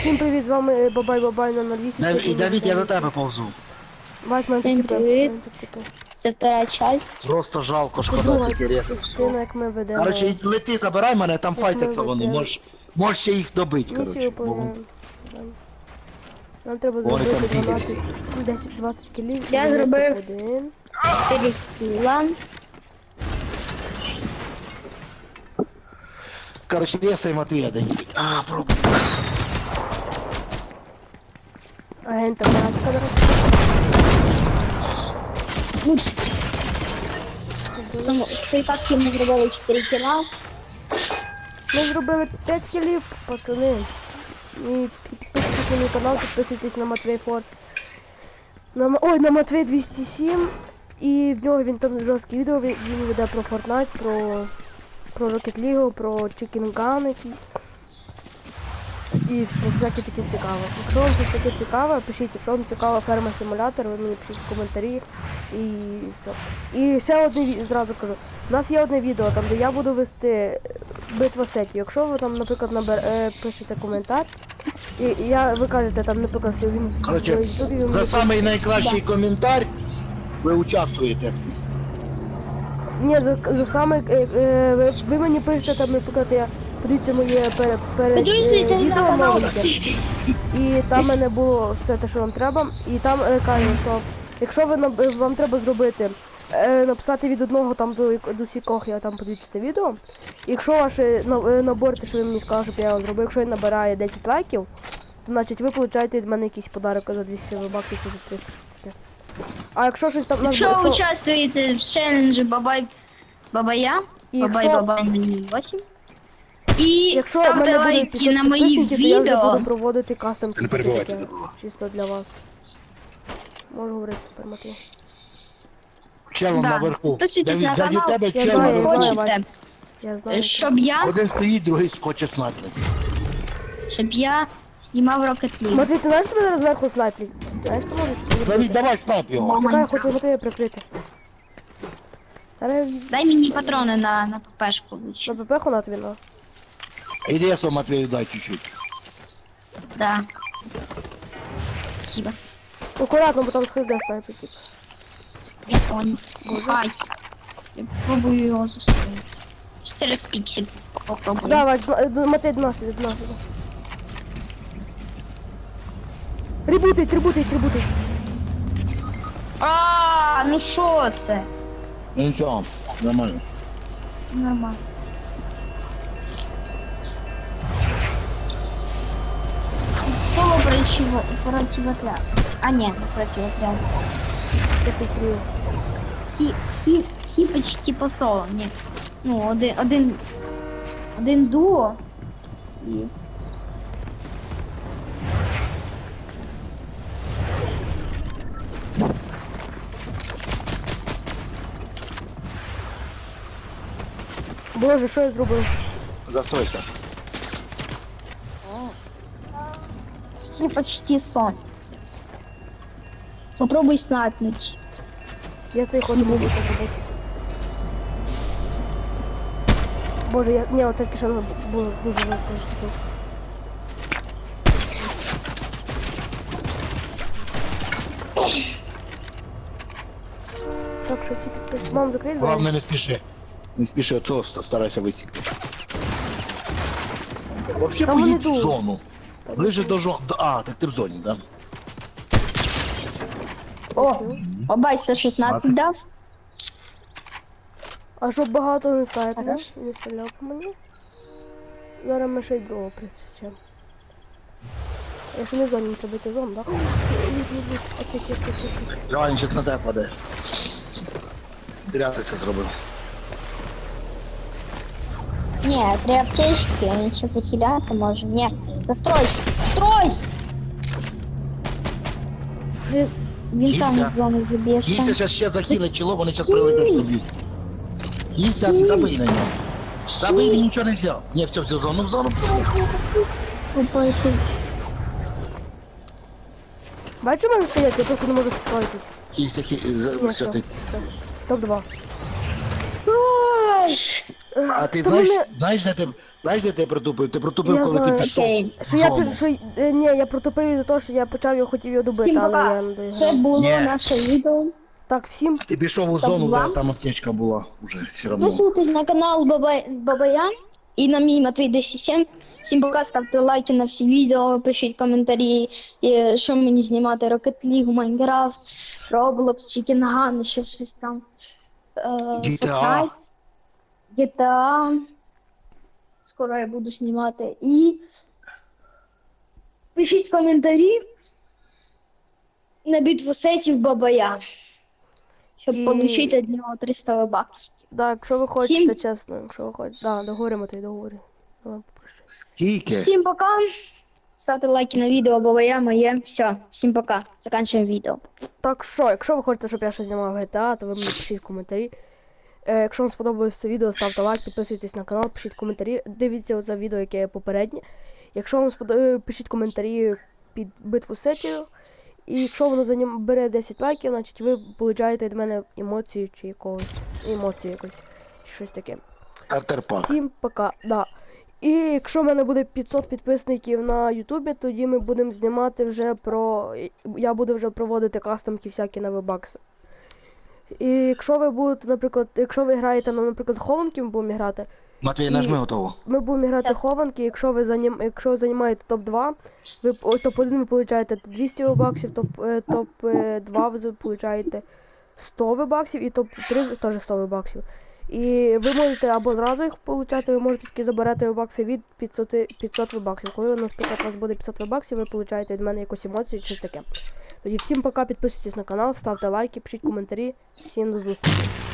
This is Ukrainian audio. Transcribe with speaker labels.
Speaker 1: Всім привіт, з вами Бабай на 08.
Speaker 2: І Давід, я до тебе повзу.
Speaker 1: Вась, мене
Speaker 3: Всім
Speaker 1: таки
Speaker 3: привіт. Це втора часть.
Speaker 2: Просто жалко, шкода
Speaker 1: друга
Speaker 2: стільки ресів
Speaker 1: частина,
Speaker 2: всього.
Speaker 1: як ми ведемо.
Speaker 2: Короче, лети, забирай мене, там
Speaker 1: Як
Speaker 2: файтяться
Speaker 1: ми
Speaker 2: вони,
Speaker 1: ведемо.
Speaker 2: можеш ще їх добити,
Speaker 1: Місію
Speaker 2: короче.
Speaker 1: виконуємо. Нам треба
Speaker 2: Вони
Speaker 1: зробити
Speaker 2: там
Speaker 1: 12, 10-20 кілів.
Speaker 3: Я
Speaker 1: і
Speaker 3: зробив.
Speaker 1: один.
Speaker 3: 4 кіла.
Speaker 2: Короче, ресай Матвія день. Пробуй.
Speaker 1: Агента Маска, до речі.
Speaker 3: Лучше. В цій папці ми зробили 4 кіла.
Speaker 1: Ми зробили 5 кілів, пацани. І підписуйтесь на мій канал, підписуйтесь на Матвей Форд. На Матвей 207. І в нього він там жорсткі відео, він веде про Fortnite, про Rocket League, про Chicken Gun якісь. І про всяке таке цікаве. Якщо вам це таке цікаве, пишіть, якщо вам цікава ферма симулятор, ви мені пишіть в коментарі і все. І ще одне зразу кажу. У нас є одне відео, там де я буду вести битва сетів. Якщо ви там, наприклад, пишете коментар, і ви кажете там, наприклад, що він
Speaker 2: Короче,
Speaker 1: в Ютубі,
Speaker 2: за самий найкращий коментар ви участвуєте.
Speaker 1: Ні, за саме ви мені пишете там, наприклад, подивіться моє перед
Speaker 3: Підписуйтесь на
Speaker 1: відео
Speaker 3: канал.
Speaker 1: новеньке. І там в мене було все те, що вам треба. І там кажу, що якщо вам треба зробити, написати від одного там до сікох, я там подивіться це відео. Якщо ваше набор, те, що ви мені сказали, щоб я вам зробив, якщо він набирає 10 лайків, то значить ви получаєте від мене якийсь подарок за 200 баксів чи за 300. А якщо щось там...
Speaker 3: Якщо ви участвуєте в челенджі Бабая, Бабай 8. І
Speaker 1: Якщо в
Speaker 3: ставте
Speaker 1: мене буде
Speaker 3: лайки
Speaker 1: 500
Speaker 3: на мої
Speaker 1: підписників, то я вже
Speaker 3: відео.
Speaker 1: буду проводити кастом
Speaker 2: Не перебивайте,
Speaker 1: таке, чисто для вас. Можу говорити тепер, Матвій.
Speaker 2: Челом
Speaker 3: Да.
Speaker 2: наверху.
Speaker 3: Підписуйтесь на
Speaker 2: Давід,
Speaker 3: канал.
Speaker 2: тебе
Speaker 1: Я
Speaker 2: чел
Speaker 1: знаю,
Speaker 2: наверху.
Speaker 1: знаю.
Speaker 3: Хочете,
Speaker 1: Я знаю.
Speaker 3: щоб я
Speaker 2: Один стоїть, другий скоче снайпер.
Speaker 3: знімав Rocket League.
Speaker 1: Матвій, ти знаєш, тебе зараз зверху снайплять? Знаєш, це може?
Speaker 2: Давід, давай снайп його.
Speaker 1: Чекай, я хочу Матвія прикрити. Зараз
Speaker 3: Дай мені патрони на ППшку
Speaker 1: на
Speaker 3: лучше.
Speaker 1: ПП на тобі, ну.
Speaker 2: Іди я сам Матвію дай чуть-чуть.
Speaker 3: Да. Спасибо.
Speaker 1: Акуратно, бо там схиде снайпер, типу.
Speaker 3: Я понял. Хай. Я пробую його застрелити. Через піксель попробую.
Speaker 1: Давай, Матвій, до нас. Ребутить.
Speaker 3: Ну що це?
Speaker 2: Ну нічого, нормально.
Speaker 3: Нормально. Соло противотряд. А нет, не противотряд.
Speaker 1: Я прикрию.
Speaker 3: Всі почти по соло, ні. Ну, один дуо. І...
Speaker 1: Боже, що я зробив?
Speaker 2: Застройся.
Speaker 3: Всі почти сон. Попробуй снайпнуть.
Speaker 1: Я цей ход не можу зробити. Боже, ні, оце кишено було дуже важко. Так, що всі підписи. Мам, закрий двері.
Speaker 2: Главное не спіши. Не спіши, оцього старайся висікти. Вообще
Speaker 1: Там вони
Speaker 2: поїдь в
Speaker 1: йдуть.
Speaker 2: зону. Ближе до зони. А, так ти в зоні, да?
Speaker 3: О, бабай 116 дав.
Speaker 1: А щоб багато не снайпер,
Speaker 3: Хорошо.
Speaker 1: не стріляв по мені. Зараз ми ще й другого присічемо. Я ще не в зоні, не треба йти в зону, так? Окей.
Speaker 2: Реально, зараз на тебе падає. Зря ти це зробив.
Speaker 3: Ні, три аптечки, він ще захиляться може. Ні, застройся! Стройся! Він сам
Speaker 2: Кіся.
Speaker 3: з зони заб'ється.
Speaker 2: Кіся зараз ще захилить чоло, вони зараз прилетять тобі. Кіся, забий на нього. Забий, він нічого не зробив. Ні, все, в зону.
Speaker 1: Бачу, мене стоять, я просто не можу справитись.
Speaker 2: Кіся, все, ти.
Speaker 1: Топ-2.
Speaker 3: Ой,
Speaker 2: А ти
Speaker 1: Та
Speaker 2: знаєш,
Speaker 1: вони-
Speaker 2: знаєш, де ти протупив? Ти протупив,
Speaker 1: Я
Speaker 2: коли ти
Speaker 1: знаю.
Speaker 2: пішов
Speaker 3: Окей.
Speaker 2: в
Speaker 1: Що я
Speaker 2: зону.
Speaker 1: пишу, ні, я протупив із-за того, що я почав його, хотів його добити,
Speaker 3: Всім
Speaker 1: але
Speaker 3: пока.
Speaker 1: я не
Speaker 3: Це
Speaker 1: доіграв.
Speaker 3: було
Speaker 2: Ні.
Speaker 3: наше відео.
Speaker 1: Так, всім
Speaker 2: Ти пішов у
Speaker 3: Стоп,
Speaker 2: зону,
Speaker 3: два.
Speaker 2: де там аптечка була уже все одно.
Speaker 3: Підписуйтесь на канал Бабая і на мій Матвій 107. Всім пока, ставте лайки на всі відео, пишіть коментарі, що мені знімати, Rocket League, Minecraft, Roblox, Chicken Gun, ще щось там.
Speaker 2: GTA.
Speaker 3: Fortnite, GTA. Скоро я буду знімати. І пишіть коментарі на битву сетів Бабая, щоб
Speaker 1: І-
Speaker 3: отримати від нього 300 баксів.
Speaker 1: Да, якщо ви хочете,
Speaker 3: Всім-
Speaker 1: чесно, якщо ви хочете. Да, договоримо, ти договорі. Давай, попрошу.
Speaker 2: Скільки?
Speaker 3: Всім пока. Ставте лайки на відео, Бабая моє. Все, всім пока. Заканчуємо відео.
Speaker 1: Так що, якщо ви хочете, щоб я ще знімав GTA, то ви мені пишіть в коментарі. Якщо вам сподобалось це відео, ставте лайк, підписуйтесь на канал, пишіть коментарі. Дивіться оце відео, яке є попереднє. Якщо вам сподобалось, пишіть коментарі під битву сетів. І якщо воно бере 10 лайків, значить ви получаєте від мене емоцію чи якогось. Емоцію якось. Чи щось таке.
Speaker 2: Стартер пак.
Speaker 1: Всім пока. Да. І якщо в мене буде 500 підписників на Ютубі, тоді ми будемо знімати вже про. Я буду вже проводити кастомки всякі на вебакси. І якщо ви будете, наприклад, якщо ви граєте, ну, наприклад, хованки ми будемо грати,
Speaker 2: Матвій,
Speaker 1: І-
Speaker 2: нажми готово.
Speaker 1: ми будемо грати
Speaker 3: Щас.
Speaker 1: хованки, якщо ви займаєте топ-2, ви топ-1 ви получаєте 200 вебаксів, топ-2 ви получаєте 100 вебаксів і топ-3 теж 100 вебаксів. І ви можете або зразу їх получати, ви можете тільки забирати вебакси від 500 вебаксів. Коли, наприклад, у вас буде 500 вебаксів, ви получаєте від мене якусь емоцію чи таке. Тоді всім пока, підписуйтесь на канал, ставте лайки, пишіть коментарі. Всім до зустрічі.